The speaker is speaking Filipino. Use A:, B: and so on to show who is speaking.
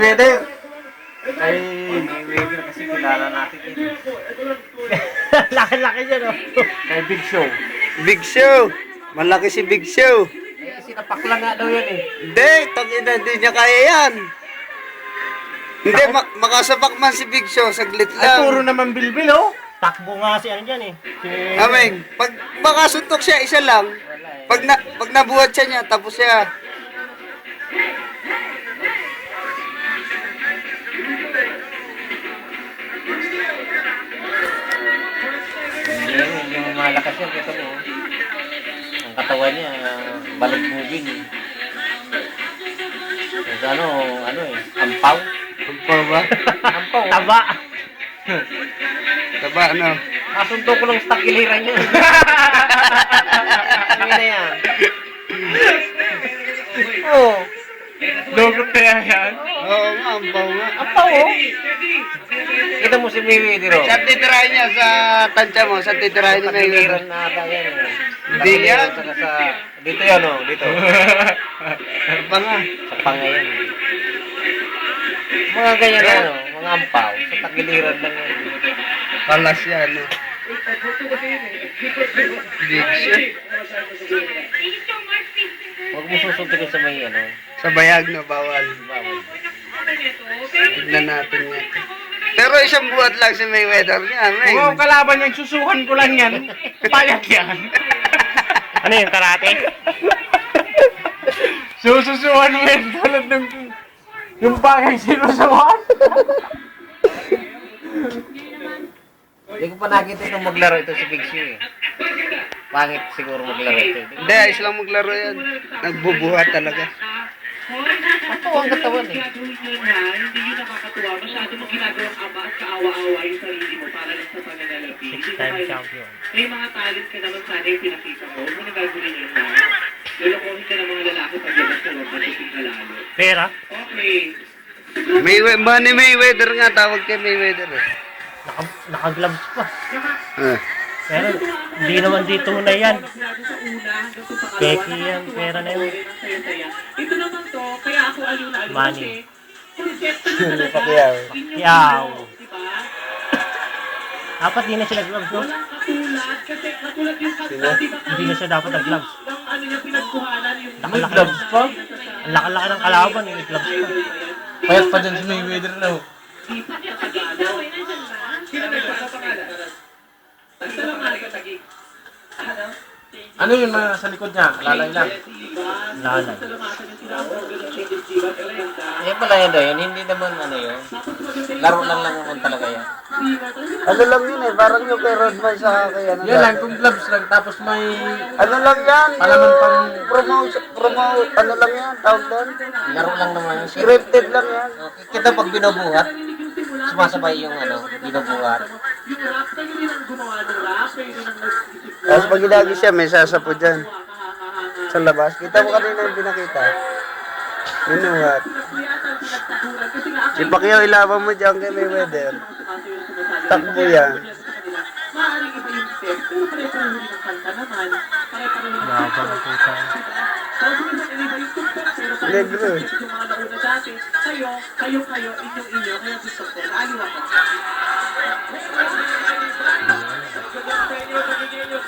A: Mayweather.
B: Ay, Mayweather kasi kilala natin yun.
C: Laki-laki niya, no?
B: Kay Big Show.
A: Big Show. Malaki si Big Show.
B: Eh, sinapakla nga daw yan eh.
A: Hindi, tangina, hindi niya kaya yan. Hindi, makasapak man si Big Show, saglit
B: Ay,
A: lang.
B: puro naman bilbil oh.
C: Takbo nga si ano dyan, eh. Si...
A: Ameng, pag makasuntok siya, isa lang. Pag nabuhat siya niya, tapos siya.
B: Hindi, yung malakas yan, ito mo. Ang katawan niya, balik moving eh. Kasi ano eh, ampaw.
A: Ampaw ba?
B: Ampaw.
C: Taba.
A: Taba, ano?
B: Kasunto ko lang sa tagiliran niya. Ano na yan? Oo.
C: Logot kaya yan?
A: Oo nga, ampaw nga.
B: Ampaw oh. Kita mo si Mayweather oh.
A: Saan titirahin niya sa tansya mo? Saan titirahin ni Mayweather?
B: Tagiliran na ata yan eh.
A: Hindi yan.
B: Saka sa... Dito yan oh, dito.
A: Pa nga.
B: Sa pangayan. Mga ganyan na ano, mga ampaw. Sa tagiliran lang yan.
A: Palas yan, no? Big Show.
B: Huwag mo susuntukin sa may ano.
A: Sa bayag, no? Bawal.
B: Bawal.
A: Tignan natin nga. Pero isang buhat lang si Mayweather niya, Meng.
C: Kung ang kalaban niyan, susuhan ko lang yan. Payag yan. Ano yung karate? Sususuhan mo yan tulad ng... Yung bagay sinusuhan.
B: Hindi ko pa nakita itong maglaro ito si Big Show eh. Pangit siguro maglaro ito.
A: Hindi, ayos lang maglaro yan. Nagbubuhat talaga.
B: Ako ang katawan eh.
D: Hindi yun nakakatuwa. Masyado mong ginagawang ama at kaawa-awa yung sarili mo para lang sa pananalapi.
C: Six-time champion.
D: May mga talent ka naman sana yung pinakita mo. Huwag mo nagagawin yun na. Lulukohin ka ng mga lalaki pag labas ka loob, matusin ka lalo.
C: Pera?
D: Okay.
A: Manny Mayweather nga, tawag kay Mayweather eh.
C: Naka-gloves pa.
A: Ah.
C: Pero hindi naman dito na yan. Keki yan, pera na yun.
D: Ito naman to, kaya ako aliw na aliw.
C: Money.
A: Hindi pa kaya.
C: Yaw. Dapat di na sila gloves, no?
D: Walang katulad, kasi katulad yung kanta, di ba
C: Hindi na siya dapat nag-gloves.
D: ang ano niya pinagkuhanan yung...
C: Nakalaki.
B: Gloves pa?
C: Ang laki-laki ng kalaban, yung gloves pa.
B: Payat pa dyan si Mayweather na oh.
D: Di pa niya Tagalog. Sino nagpapapangalan? Basta lang nga ka tagig. Ano?
B: Ano yun mga sa likod niya? Lalay lang.
C: Lalay.
B: Eh pala yun daw yun, hindi naman ano yun. Laro lang naman talaga yan.
A: Ano lang yun eh, parang yung kay Rodman sa kay ano.
B: Yan lang, kung gloves lang, tapos may...
A: Ano lang yan,
B: Palaman
A: yung
B: pang-
A: ano lang yan, tawag doon.
B: Laro lang naman yun.
A: Scripted lang yan.
B: Kita pag binubuhat, sumasabay yung ano, binubuhat.
D: Yung rap, kayo rin ang gumawa ng rap, kayo rin ang nag-isip mo.
A: Tapos pag ginagi siya, may sasapo dyan. Sa labas. Kita mo kanina yung pinakita. Yun yung what? Si Pacquiao ilaban mo dyan kay Mayweather. Takbo yan.
D: Maaaring iba yung step, pero pare-pareho rin ang kanta naman. Pare-pareho rin ang
C: Laban ang puta.
D: Sabi ko sa iba yung tugtog, pero tayo
A: Negro.
D: yung mga nauna dati, kayo, inyo, kaya gusto ko, aliw ako.